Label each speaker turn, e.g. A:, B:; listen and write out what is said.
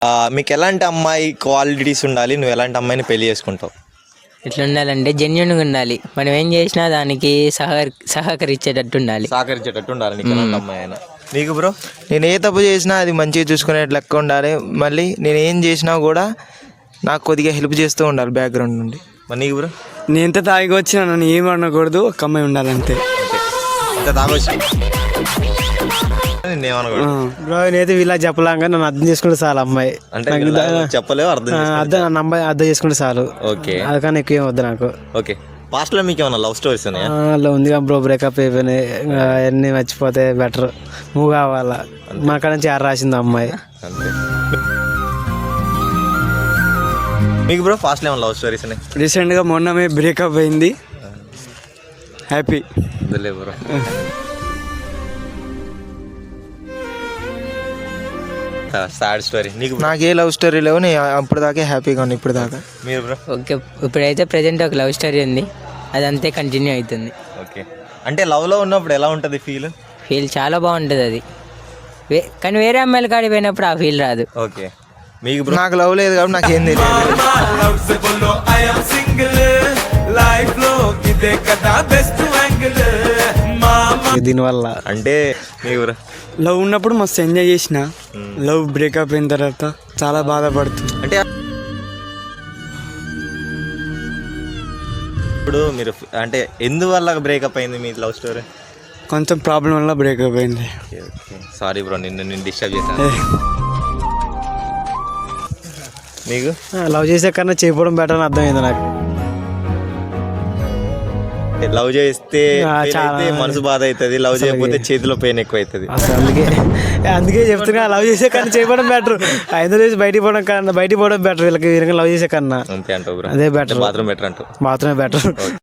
A: మీకు ఎలాంటి అమ్మాయి క్వాలిటీస్ ఉండాలి, నువ్వు ఎలాంటి అమ్మాయిని పెళ్లి చేసుకుంటావు?
B: ఎట్లా ఉండాలంటే జెన్యున్గా ఉండాలి. మనం ఏం చేసినా దానికి సహకరించేటట్టు ఉండాలి.
A: సహకరించేటట్టు ఉండాలి నీకు ఎలాంటి అమ్మాయి అయినా. నీకు బ్రో?
C: నేను ఏ తప్పు చేసినా అది మంచిగా చూసుకునే లెక్క ఉండాలి. మళ్ళీ నేను ఏం చేసినా కూడా నాకు కొద్దిగా హెల్ప్ చేస్తూ ఉండాలి బ్యాక్గ్రౌండ్ నుండి.
A: మరి నీకు బ్రో?
D: నేను ఎంత తాగి వచ్చినా నన్ను ఏం అనకూడదు, ఒక అమ్మాయి ఉండాలంతే.
A: ఇంత తాగొచ్చు నేనేమనకూడదు
C: బ్రో నేనైతే వీళ్ళ చెప్పలాగా నన్ను అర్థం చేసుకుంటే చాలు అమ్మాయి.
A: అంటే చెప్పలేవు, అర్థం
C: నన్ను అమ్మాయి అర్థం చేసుకుంటే చాలు.
A: ఓకే,
C: అందుకని ఎక్కువ ఏం వద్దు నాకు.
A: ఓకే. పాస్ట్ లో మీకు ఏమన్నా లవ్ స్టోరీస్ ఉన్నాయా?
C: అలా ఉందిగా బ్రో, బ్రేకప్ అయిపోయినాయి, అన్నీ మర్చిపోతే బెటర్, మూవ్ కావాలా. మా కాడ నుంచి ఆరు రాసింది అమ్మాయి.
A: అంతే. మీకు బ్రో పాస్ట్ లో ఏమన్నా లవ్ స్టోరీస్ ఉన్నాయి?
D: రీసెంట్గా మొన్నమే బ్రేకప్ అయింది, హ్యాపీ.
A: వదిలే బ్రో. సాడ్ స్టోరీ నీకు?
C: నాకు ఏ లవ్ స్టోరీ లేవు, నేను అప్పుడు దాకా హ్యాపీగా ఉన్నా ఇప్పుడు దాకా.
A: మీరు బ్రో?
B: ఓకే, ఇప్పుడైతే ప్రజెంట్ ఒక లవ్ స్టోరీ ఉంది, అది అంతే కంటిన్యూ అవుతుంది.
A: ఓకే. అంటే లవ్లో ఉన్నప్పుడు ఎలా ఉంటుంది
B: ఫీల్ చాలా బాగుంటుంది అది, కానీ వేరే అమ్మాయిల కాడికి పోయినప్పుడు ఆ ఫీల్ రాదు.
A: ఓకే. మీకు బ్రో?
C: నాకు లవ్ లేదు కాబట్టి నాకేం తెలియదు. దీనివల్ల
A: అంటే మీకు బ్రో?
D: లవ్ ఉన్నప్పుడు మస్తు ఎంజాయ్ చేసిన, లవ్ బ్రేకప్ అయిన తర్వాత చాలా బాధపడుతుంది.
A: అంటే ఇప్పుడు మీరు అంటే ఎందువల్ల బ్రేకప్ అయింది మీ లవ్ స్టోరీ?
D: కొంచెం ప్రాబ్లం వల్ల బ్రేకప్ అయింది.
A: సారీ బ్రో, నేను డిస్టర్బ్ చేశాను. మీకు?
C: లవ్ చేసే కన్నా చేయకపోవడం బెటర్ అని అర్థమైంది నాకు.
A: లవ్ చేస్తే మనసు బాధ అవుతుంది, లవ్ చేయకపోతే చేతిలో పెయిన్ ఎక్కువ అవుతుంది.
C: అసలు అందుకే చెప్తున్నా, లవ్ చేసే కన్నా చేయడం బెటర్. ఐదు రోజు బయటికి పోవడం బెటర్ వీళ్ళకి లవ్ చేసే కన్నా.
A: అంతే అంటావు బ్రో?
C: అదే బెటర్,
A: బాత్రూమ్ బెటర్ అంటావు?
C: బాత్రూమే బెటర్.